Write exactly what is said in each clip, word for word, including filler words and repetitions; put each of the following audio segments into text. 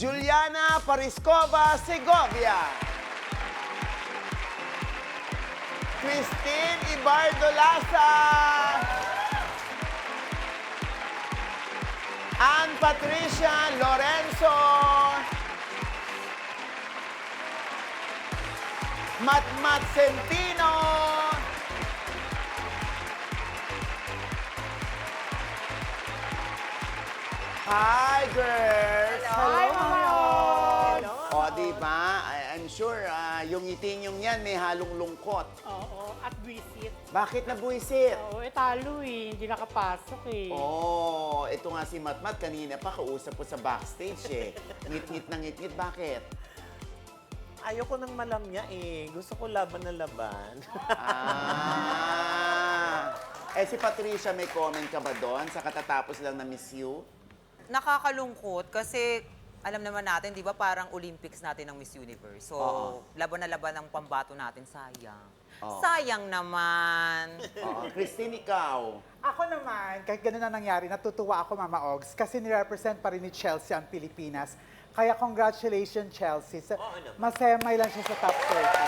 Juliana Pariscova Segovia. Christine Ibardo Laza. Ann Patricia Lorenzo. Matmat Centino. Hi, girls! Hi, Mama Ogs! O, di ba? I- I'm sure ah, yung ngiti yung yan may halong lungkot. Oo, at visit. Bakit nabuisit? Oo, eh talo eh. Hindi nakapasok eh. Oh, ito nga si Matmat kanina pa kausap ko sa backstage eh. Ngit-ngit na ngit-ngit. Bakit? Ayoko nang malamya eh. Gusto ko laban na laban. Ah. Eh si Patricia, may comment ka ba doon sa katatapos lang na Miss You? Nakakalungkot kasi alam naman natin, di ba, parang Olympics natin ng Miss Universe. So, Oo. laban na laban ang pambato natin, sayang. Oo. Sayang naman. Oo. Christine, ikaw. Ako naman, kahit ganun na nangyari, natutuwa ako, Mama Ogs, kasi nirepresent pa rin ni Chelsea ang Pilipinas. Kaya congratulations, Chelsea. Sa, Oo naman. masemay lang siya sa top thirty.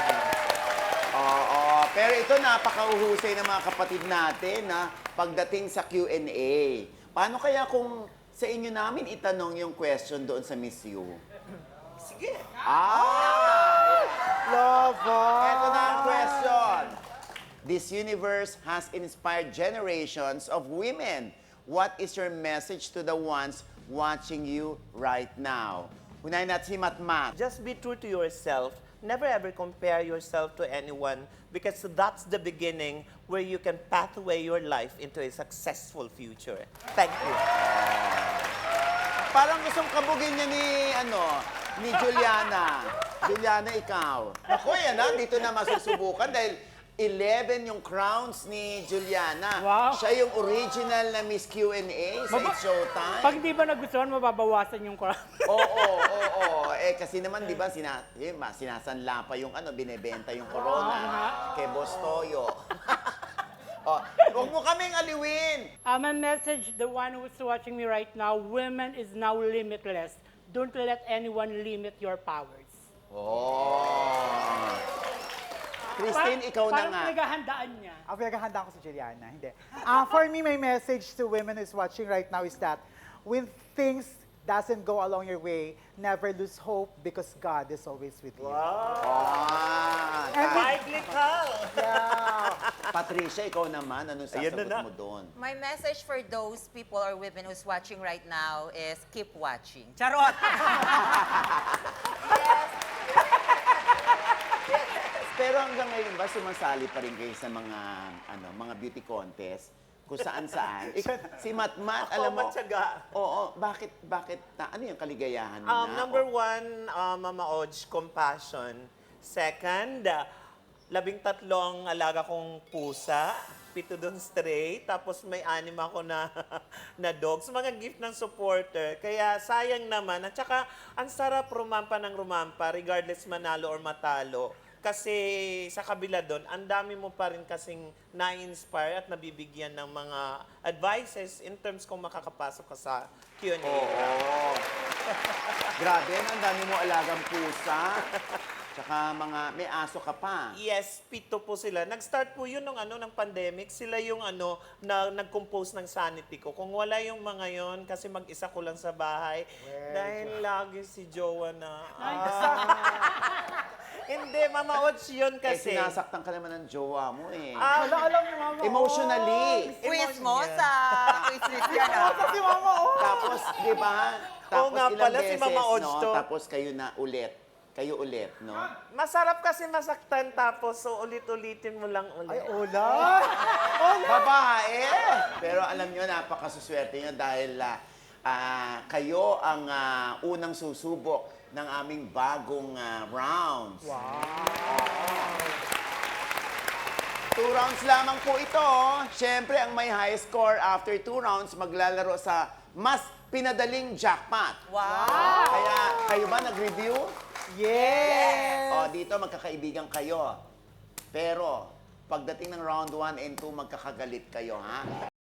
Oo. Pero ito napakauhusay ng mga kapatid natin na pagdating sa Q and A. Paano kaya kung sa inyo namin itanong yung question doon sa Miss You? Sige. Ah! Lovo! Ito na ang question. This universe has inspired generations of women. What is your message to the ones watching you right now? Unahin natin si Matmat. Just be true to yourself. Never ever compare yourself to anyone because that's the beginning where you can pathway your life into a successful future. Thank you. Parang gustong kabugin niya ni, ano, ni Juliana. Juliana, ikaw. Ako, yan na, dito na masusubukan dahil eleven yung crowns ni Juliana. Wow. Siya yung original na Miss Q and A sa Maba- It's Showtime. Pag di ba nagustuhan, mababawasan yung crowd. Oo, oo, oo. Eh, kasi naman, di ba, sina, eh, ma- sinasanla pa yung ano, binebenta yung corona kay Boss Toyo. Oh, huwag mo kaming aliwin. Uh, my message, the one who's watching me right now, women is now limitless. Don't let anyone limit your powers. Oh. Christine, ikaw na parang nga. pinaghahandaan niya. Ang pinaghahandaan ko si Juliana, hindi. Ah, for me, my message to women who's watching right now is that when things doesn't go along your way, never lose hope because God is always with you. Ah, And ta- Biblical. Yeah. Patricia, ikaw naman, anong Ayan sasagot na na. mo doon? My message for those people or women who's watching right now is keep watching. Charot! Pero hanggang ngayon ba, sumasali pa rin kayo sa mga, ano, mga beauty contest? Kung saan-saan. Ik- si Matmat, Ako, alam mo, matyaga. oo, bakit, bakit, na, ano yung kaligayahan mo Um, na? number O- one, uh, Mama Oj, compassion. Second, uh, labing tatlong alaga kong pusa. Pito doon stray. Tapos may anim ako na, na dogs. Mga gift ng supporter. Kaya sayang naman. At saka, ang sarap rumampa ng rumampa regardless manalo or matalo. Kasi sa kabila doon, ang dami mo pa rin kasing na-inspire at nabibigyan ng mga advices in terms kung makakapasok ka sa Q and A. Oo. Grabe, ang dami mo alagang pusa. Tsaka mga, may aso ka pa. Yes, pito po sila. Nag-start po yun nung ano ng pandemic. Sila yung ano na nag-compose ng sanity ko. Kung wala yung mga yon kasi mag-isa ko lang sa bahay. Dahil lagi si Jowa na. Ah. Hindi, Mama Ots yun Kasi kasi. eh, sinasaktan ka naman ng jowa mo eh. Ah, Wala, alam ni Mama Emotionally. Quiz mo sa quiz list yan. ah. Si Mama Ogs. Tapos, di ba? Tapos Oo nga ilang pala, si beses, Mama Ods no? to. Tapos kayo na ulit. Kayo ulit, no? masarap kasi masaktan tapos so ulit-ulitin mo lang Ay, ulit. Ola! Babae! Pero alam nyo, napakasuswerte nyo dahil ah, ah, kayo ang ah, unang susubok ng aming bagong ah, rounds. Two rounds lamang po ito. Siyempre, ang may high score after two rounds maglalaro sa mas pinadaling jackpot. Wow! Kaya, kayo ba nag-review? Yes! O, dito magkakaibigan kayo. Pero, pagdating ng round one and two, magkakagalit kayo, ha?